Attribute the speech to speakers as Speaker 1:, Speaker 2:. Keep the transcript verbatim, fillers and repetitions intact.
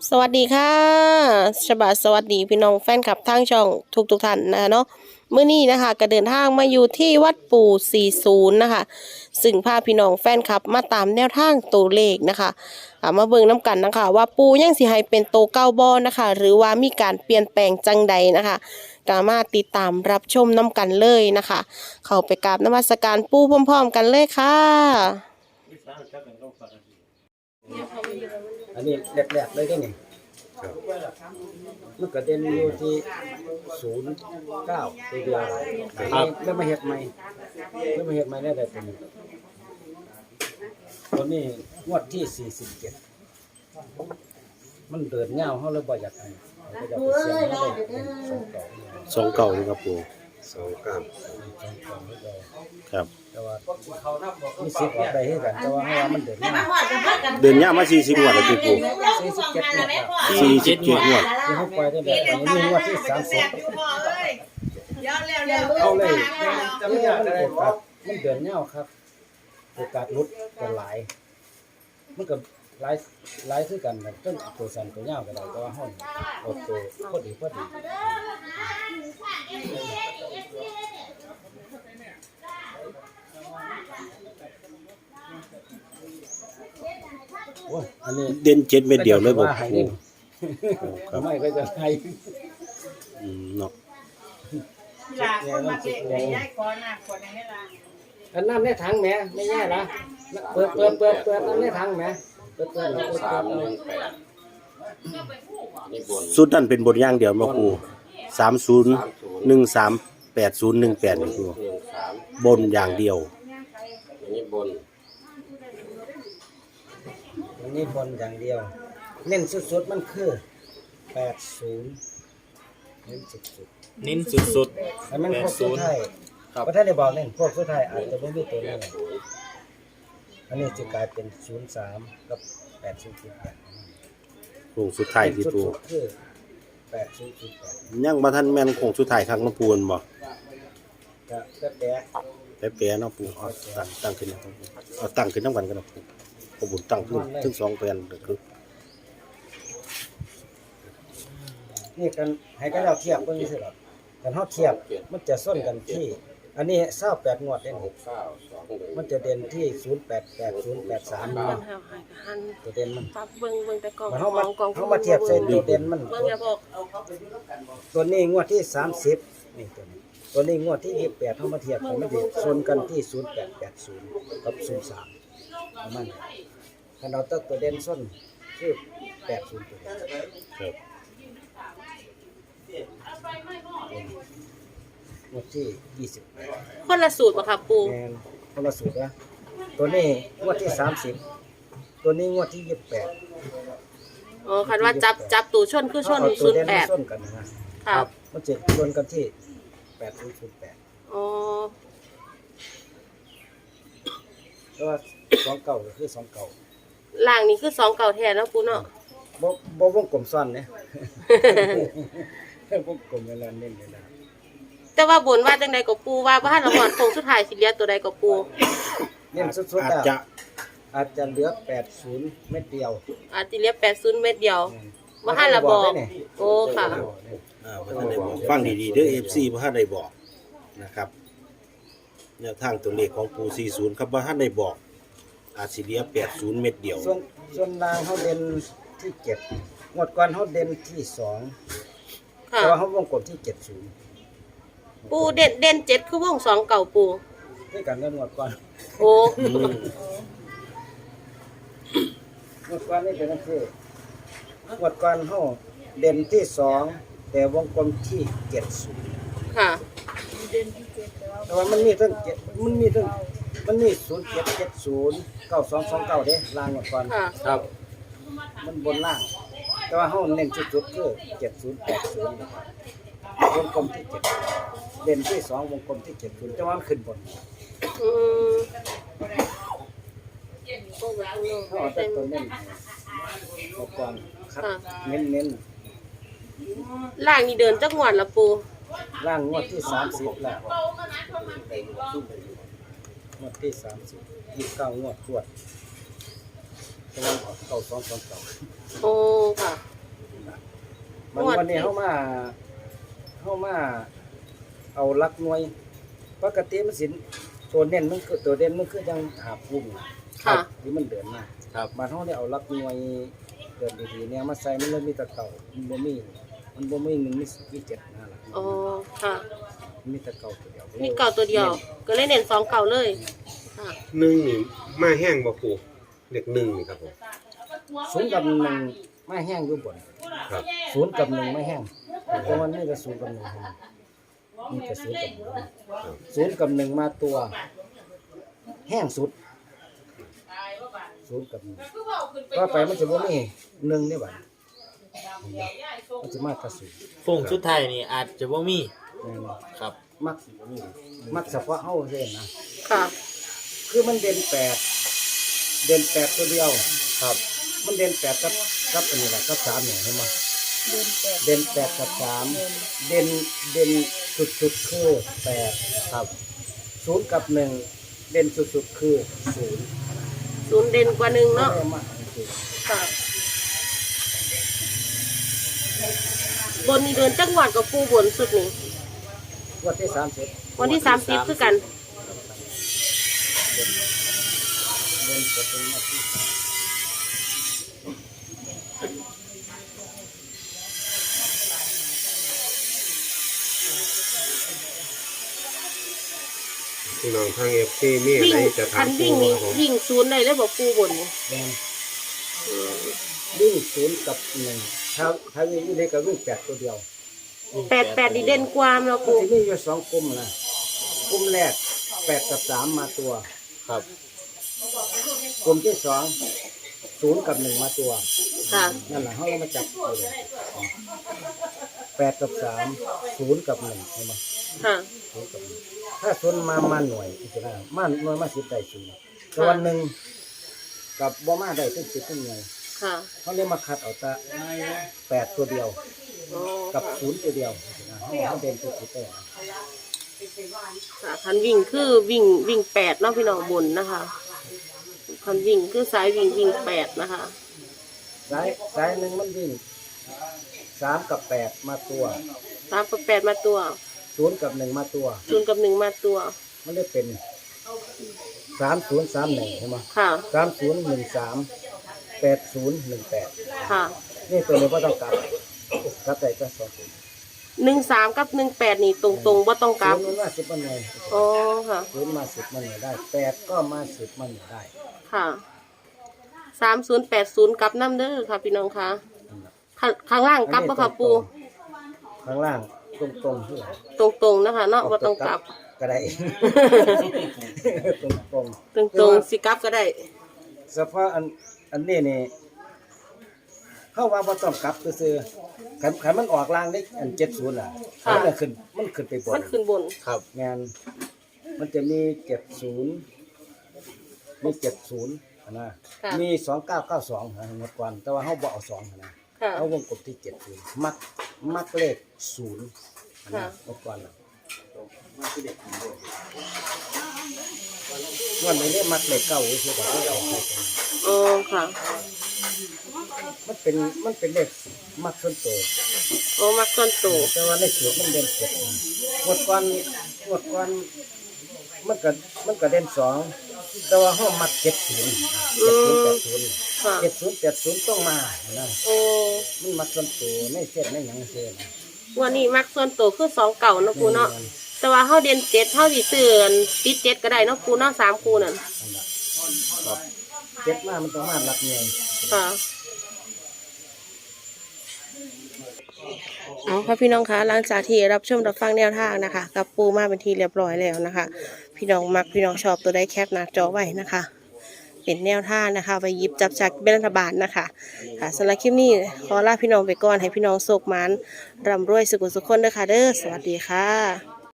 Speaker 1: สวัสดีค่ะฉบับสวัสดีพี่น้องแฟนคลับทางช่องทุกทุกท่านนะคะเนาะเมื่อนี้นะคะก็เดินทางมาอยู่ที่วัดปู่สี่สิบนะคะซึ่งพาพี่น้องแฟนคลับมาตามแนวทางตัวเลขนะคะมาเบิ่งน้ำกันนะคะว่าปู่ยังสิให้เป็นโตเก้าบอนะคะหรือว่ามีการเปลี่ยนแปลงจังใดนะคะก็มาติดตามรับชมน้ำกันเลยนะคะเข้าไปกราบนมัสการปู่พร้อมๆกันเลยค่ะ
Speaker 2: อันนี้แรกๆเลยก็นี่มันก็เด่นอยู่ที่ศูนย์เก้าตัวเดียวครับแล้วมาเห็ดใหม่แล้วมาเห็ดใหม่ได้แต่ตัวนี้ตัวนี้งวดที่สี่สิบเจ็ดมันเดินเงาเขาเลยบ่อยากให้เขาจะไปเสียงเขาเลยสองเก่า
Speaker 3: สองเก่านี่ครับปู่
Speaker 4: สองเก้า
Speaker 2: สองเก่าไม่ได้
Speaker 3: ครับ
Speaker 2: แต่ว่ามีสิบออกได้ให้กันแต่ว่าให้ว่ามันเดินเงา
Speaker 3: เดือนนี้มาสี่สิบงวดแล้วที่ปู่
Speaker 2: สี่สิบเจ็ดงวดครับ
Speaker 3: สี่สิบเจ็ดงวด
Speaker 2: ที่เขาปล่อยได้แบบอันนี้งวดที่สามสิบ
Speaker 5: เอา
Speaker 2: เอา
Speaker 5: เล
Speaker 2: เลย ยจะไม่อยากอะไรครับมันเดือนเงาครับโอกาสลุดก็หลายมันก็หลายหลายคือกันนะต้นตัวสันตัวเงาก็ได้แต่ว่าห้องเอาตัวพอดีพอดีโอ้ยอันนี้
Speaker 3: เด่นเจ็ดเม็ดเดียวเลยบอกปู่ครับ
Speaker 2: ไม่ก็จะให้
Speaker 3: อืมเนาะ
Speaker 5: ลาคนมาเก็บได้ย้ายก่อนนะคนนี้ล่ะ
Speaker 2: อันน้ำในถังแหม่ไม่แย่ละเปิดเปิดเปิดเปิดน้ำในถังแหม่เปิดเปิดเปิด
Speaker 4: สามหนึ่งแปดนี่บน
Speaker 3: สุดนั่นเป็นบทย่างเดียวมาปู่สามศูนย์หนึ่งสามแปดศูนย์หนึ่งแปดนี่ปู่
Speaker 4: หนึ่งสาม
Speaker 3: บนอย่างเดียว
Speaker 4: อันนี้บน
Speaker 2: อันนี้บนอย่างเดียวเน้นสุดๆมันคือแปดศูนย์เน้นสุด
Speaker 6: เน้นสุด
Speaker 2: ๆแต่มันพวกสุดท้ายเพราะถ้าได้บอกเน้นพวกสุดท้ายอาจจะไม่มีตัวนี้อันนี้จะกลายเป็นศูนย์สามกับแปดศูนย์ศูนย์แปด
Speaker 3: โค้งสุดท้ายที่ปู่
Speaker 2: สุดๆคือแปดศูนย์ศูนย์แปด
Speaker 3: ยังมาทันแม่นโค้งสุดท้ายครั้งน้ำปูนบ่
Speaker 2: ก็ก็แปะ
Speaker 3: แป๊ะๆเนาะปู่เอาตั้งตั้งขึ้นนะครับปู่เอาตั้งขึ้นน้ำกันกันนะปู่ขบุญตั้งขึ้นถึงสองแผ่นก็คือ
Speaker 2: นี่กันให้กันเราเทียบเบิ่งสิครับกันเฮาเทียบมันจะส้นกันที่ อันนี้เศร้าแปดงวดเด่น
Speaker 4: หกเก้าสองหนึ่ง
Speaker 2: มันจะเด่นที่ศูนย์แปดแปดศูนย์แปดสาม
Speaker 1: เบิ่งหาหายหัน
Speaker 2: ตัวเด่นมัน
Speaker 1: ปั๊บเบิ่งเบิ่งแต่กล่อง
Speaker 2: มันเฮามา
Speaker 1: กล่อง
Speaker 2: เฮามาเทียบใส่ตัวเด่นมัน
Speaker 1: เบิ่งอย่าบอก
Speaker 2: ตัวนี้งวดที่สามสิบนี่ตัวนี้ตัวนี้งวดที่ยี่สิบแปดเฮามาเทียบกันมันจะชนกันที่ศูนย์แปดแปดศูนย์กับศูนย์สามประมาณนี้คันเราตัดตัวเด่นส้นคือแปดศูนย์ตัวเดียว
Speaker 3: ครับ
Speaker 2: งวดที่ยี่สิบแปด
Speaker 1: คนละสูตรบ่ครับปู่
Speaker 2: แมนคนละสูตรนะตัวนี้งวดที่สามสิบตัวนี้งวดที่ยี่สิบแปด
Speaker 1: อ๋อคันว่าจับจับตูชนคือชน
Speaker 2: เอาตั
Speaker 1: ศู
Speaker 2: วน
Speaker 1: ย์
Speaker 2: เด่น
Speaker 1: แป
Speaker 2: มา
Speaker 1: ด
Speaker 2: ส้นกันนะฮะ
Speaker 1: ครับ
Speaker 2: มันจะชนกันที่แปดศูนย์ศูนย์แปด
Speaker 1: อ๋อ
Speaker 2: แล้วว่าสองเก่าก็คือสองเก่า
Speaker 1: ล่างนี่คือสองเก่าแทนแล้วปู่เนาะ
Speaker 2: บ่บ่วงกลมซ้อนเนี่ย วงกลมเวลาเน้นเวลา
Speaker 1: แต่ว่าบนว่าจังใดก็ปู่ว่าบ่ทันละฮอดโค้งสุดท้ายสิเหลือตัวใดก็ปู่
Speaker 2: เน้นสุด
Speaker 3: อา
Speaker 2: ๆ
Speaker 3: จ
Speaker 2: อ่ะ
Speaker 3: จะ
Speaker 2: อาจจะเหลือแปดศูนย์เม็ดเดียว
Speaker 1: อาจสิเหลือแปดสิบเม็ดเดียวบ่ทันละบอกโอ้ค่ะ
Speaker 3: อ่าบ่ทันได้บอกฟังดีๆเด้อ เอฟ ซี บ่ทันได้บอกนะครับแนวทางตัวเลขของปู่สี่สิบครับบ่ทันได้บอกอาจสิเหลือแปดสิบเม็ดเดียว
Speaker 2: ส่วนส่วนล่างเฮาเด่นที่เจ็ดงวดก่อนเฮาเด่นที่สอง
Speaker 1: ค่ะ
Speaker 2: แต่ว่าเฮาวงกลมที่เจ็ดศูนย์
Speaker 1: ปู่เด่นเด่นเจ็ดคือวงสองเก่าปู่
Speaker 2: ด้วยกันกับงวดก่อน
Speaker 1: โอ้
Speaker 2: งวดก่อนนี่เป็นจังซี่งวดก่อนเฮาเด่นที่สองแต่วงกลมที่เจ็ดศูนย์
Speaker 1: ค่ะ
Speaker 2: แต่ว่ามันมีทั้งเจ็ดมันมีทั้งมันมีศูนย์เจ็ดเจ็ดศูนย์เก้าสองสองเก้าเด้ล่างงวดก่อน
Speaker 1: ค่ะ
Speaker 2: ครับมันบนล่าง แต่ว่าเฮาเน้นจุดๆคือเจ็ดศูนย์แปดศูนย์นะครับวงกลมที่เจ็ดเด่นที่สองวงกลมที่เจ็ดศูนย์แต่ว่ามันขึ้นบน
Speaker 1: อืม
Speaker 2: เขาเอาแต่ตัวเน้นอุปกรณ์คัดเน้นเน้น
Speaker 1: ล่างนี่เดินจักงวดละปู่
Speaker 2: ล่างงวดที่สามสิบแล้วงวดที่สามสิบยี่สิบเก้างวดตรวจแต่ว่าเก้าสองสองเก้า
Speaker 1: โอ้ค่ะ
Speaker 2: มัน
Speaker 1: งวด
Speaker 2: วันนี้เขามาเขามาเอาหลักหน่วยปกติมันสินตัวเน้นมันคือตัวเด่นมันคือยังหาพุ่ง
Speaker 1: ค่ะ
Speaker 2: ที่มันเดินมา
Speaker 3: ครับ
Speaker 2: มาเขาได้เอาหลักหน่วยเดินดีๆเนี่ยมาใส่มันเลยมีแตะเก่ามันบ่มีมันบ่มีหนึ่งมีมีเจ็ดนะล่ะ
Speaker 1: อ๋อค่ะ
Speaker 2: มีแตะเก่าตัวเดียว
Speaker 1: มีเก่าตัวเดียว ก็เลยเน้นสองเก่าเลยค่ะ
Speaker 6: หนึ่งนี่มาแห้งบ่ปูเด็กหนึ่งนี่ครับผม
Speaker 2: ศูนย์กับหนึ่งไม่แห้งอยู่บน
Speaker 6: ครับ
Speaker 2: ศูนย์กับหนึ่งไม่แห้งเพราะมันนี่ก็ศูนย์กับหนึ่งเท่านั้นนี่ก็ศูนย์กับหนึ่งศูนย์กับหนึ่งมาตัว แห้งสุดศูนย์กับหนึ่งก็ไปมันจะบ่มีหนึ่งได้บ่มันจะมากกระสุน
Speaker 7: ฟงชุดไทยนี่อาจจะบ่มี
Speaker 2: แน่นอน
Speaker 7: ครับ
Speaker 2: มักมักเฉพาะเฮาเองนะ
Speaker 1: ค่ะ
Speaker 2: คือมันเด่นแปดเด่นแปดตัวเดียวครับ มันเด่นแปดกับกับอันนี้แหละกับสามเนี่ยเห็นไหมเด่นแปดกับสามเด่นเด่นสุดๆคือแปดครับศูนย์กับหนึ่งเด่นสุดๆคือศูนย์
Speaker 1: ศูนย์เด่นกว่าหนึ่งเนาะ
Speaker 2: ไม่ได้มากจริง
Speaker 1: ค่ะ บนนี้เดินจังหวัดกับปูบนสุดนี่
Speaker 2: ๆวันที่สามสิบ
Speaker 1: วันที่สามสิบคือกัน
Speaker 2: เด่นจะเป็นวันที่
Speaker 6: พี่น้องทางเอฟซีมีอะ
Speaker 1: วิ่ง
Speaker 6: ไรจะ
Speaker 1: คั
Speaker 6: ถาม
Speaker 1: น
Speaker 6: ปู
Speaker 1: วิ่งนี่
Speaker 6: ครับผม
Speaker 1: วิ่งศูนย์ได้เลยบอกปูบนนี่
Speaker 2: แดงวิ่งศูนย์กับหนึ่งถ้าถ้าวิ่งนี่เลยก็วิ่งแปดตัวเดียว
Speaker 1: แปดแปดดีเด่นกว่าเนาะ
Speaker 2: มัน
Speaker 1: ปู
Speaker 2: จะมีอยู่สองกลุ่มนะกลุ่มแรกแปดกับสามมาตัว
Speaker 7: ครับ
Speaker 2: กลุ่มที่สองศูนย์กับหนึ่งมาตัว
Speaker 1: ค่ะ
Speaker 2: นั่นแหละเขาเรามาจับตัวแปดกับสามศูนย์กับหนึ่งใช่ไหม
Speaker 1: ค่ะ
Speaker 2: ศูนย์กับหนึ่งถ้าศูนย์มามาหน่วยอีกนะมาหน่วยมาสิบได้ศูนย์แต่วันหนึ่งกับบ่มาได้ตั้งสิบตั้งหน่วย
Speaker 1: ค่ะ
Speaker 2: เขาเลยมาคัดเอาแต่แปดตัวเดียว
Speaker 1: อ๋อ
Speaker 2: กับศูนย์ตัวเดียวนะเขาเขาเด่นตัวสุดเลย
Speaker 1: ค่ะคันวิ่งคือวิ่งวิ่งแปดเนาะพี่น้องบนนะคะคันวิ่งคือสายวิ่งวิ่งแปดนะคะ
Speaker 2: สายสายหนึ่งมันวิ่งสามกับแปดมาตัว
Speaker 1: สามกับแปดมาตัว
Speaker 2: ศูนย์กับหนึ่งมาตัว
Speaker 1: ศูนย์กับหนึ่งมาตัว
Speaker 2: มันได้เป็นสามศูนย์สามหนึ่งใช่ไหม
Speaker 1: ค่ะ
Speaker 2: สามศูนย์หนึ่งสามแปดศูนย์หนึ่งแปด
Speaker 1: ค่ะ
Speaker 2: นี่ตัวนี้ก็ต้องกลับกลับแต่ก็สองศูนย์
Speaker 1: หนึ่งสามกับหนึ่งแปดนี่ตรงตรงๆว่าต้องกลับ
Speaker 2: ศูนย์มันมาสิบมันหน่วย
Speaker 1: อ๋อค่ะ
Speaker 2: ศูนย์มาสิบมันหน่วยได้แปดก็มาสิบมันหน่วยได้
Speaker 1: ค่ะสามศูนย์แปดศูนย์กลับน้ำเด้อค่ะพี่น้องค่ะข้างข้างล่างกลับปะค่ะปู
Speaker 2: ข้างล่างตรงตรงๆที่
Speaker 1: ตรงตรงๆนะคะเนาะว่าต้องกลับ
Speaker 2: ก็ได้ ตรงตรง
Speaker 1: ตรงตรงๆสิกลับก็ได้
Speaker 2: เฉพาะอันอันนี้นี่เข้าว่าบ่ต้องกลับซื่อๆขันขันมันออกล่างได้อันเจ็ดศูนย์อ่ะ
Speaker 1: ค่ะ
Speaker 2: มันจะขึ้นมันขึ้นไปบ
Speaker 1: มัน นขึ้นบน
Speaker 7: ครับ
Speaker 2: งานมันจะมีเจ็ดศูนย์มีเจ็ดศูนย์นะ
Speaker 1: ค่ะ
Speaker 2: มีสองเก้าเก้าสองนะหมดก่อนแต่ว่าเขาบอกเอาสองนะ
Speaker 1: ค่ะ
Speaker 2: เขาวงกลมที่เจ็ดศูนย์มักมักเลขศูนย์
Speaker 1: ค่ะ
Speaker 2: นะหมดก่อนนะวันนี้เลขมักเลขเก้าคือแบบที่เอาไปกัน
Speaker 1: อ๋อค่ะ
Speaker 2: มันเป็นมันเป็นเลขมักส่วนตัว
Speaker 1: โอ้มักต้นโต
Speaker 2: แต่ว่าเลขสูตรมันเด่นเจ็ดหมดก่อนหมดก่อนมันก็มันก็เด่นสองแต่ว่าห้องมักเจ็ดศูนย์เจ็ดศูนย์แปดศูนย์
Speaker 1: ค่ะ
Speaker 2: เจ็ดศูนย์แปดศูนย์ต้องมานะ
Speaker 1: โอ้
Speaker 2: มันมักส่วนตัวไม่เส้นไม่หยังเส้นนะ
Speaker 1: วันนี้มักส่วนโตคือสองเก่าเนาะปูเนาะแต่ว่าเฮาเด่นเจ็ดเฮาสิซื้ออันติดเจ็ดก็ได้เนาะปูเนาะสามคูนั่น
Speaker 2: นั่นล่ะครับเจ็ดมามันต้องมาหลักเงิน
Speaker 1: ค่ะเอาค่ะพี่น้องคะหลังจากที่รับชมรับฟังแนวทางนะคะ กับปูมาเป็นที่เรียบร้อยแล้วนะคะ พี่น้องมักพี่น้องชอบตัวได้แคปหน้าจอไว้นะคะ เป็นแนวทางนะคะไปหยิบจับจากเป็นรัฐบาลนะคะค่ะสำหรับคลิปนี้ขอลาพี่น้องไปก่อนให้พี่น้องโศกหมานร่ำรวยสุขสุขคนเด้อค่ะเด้อสวัสดีค่ะ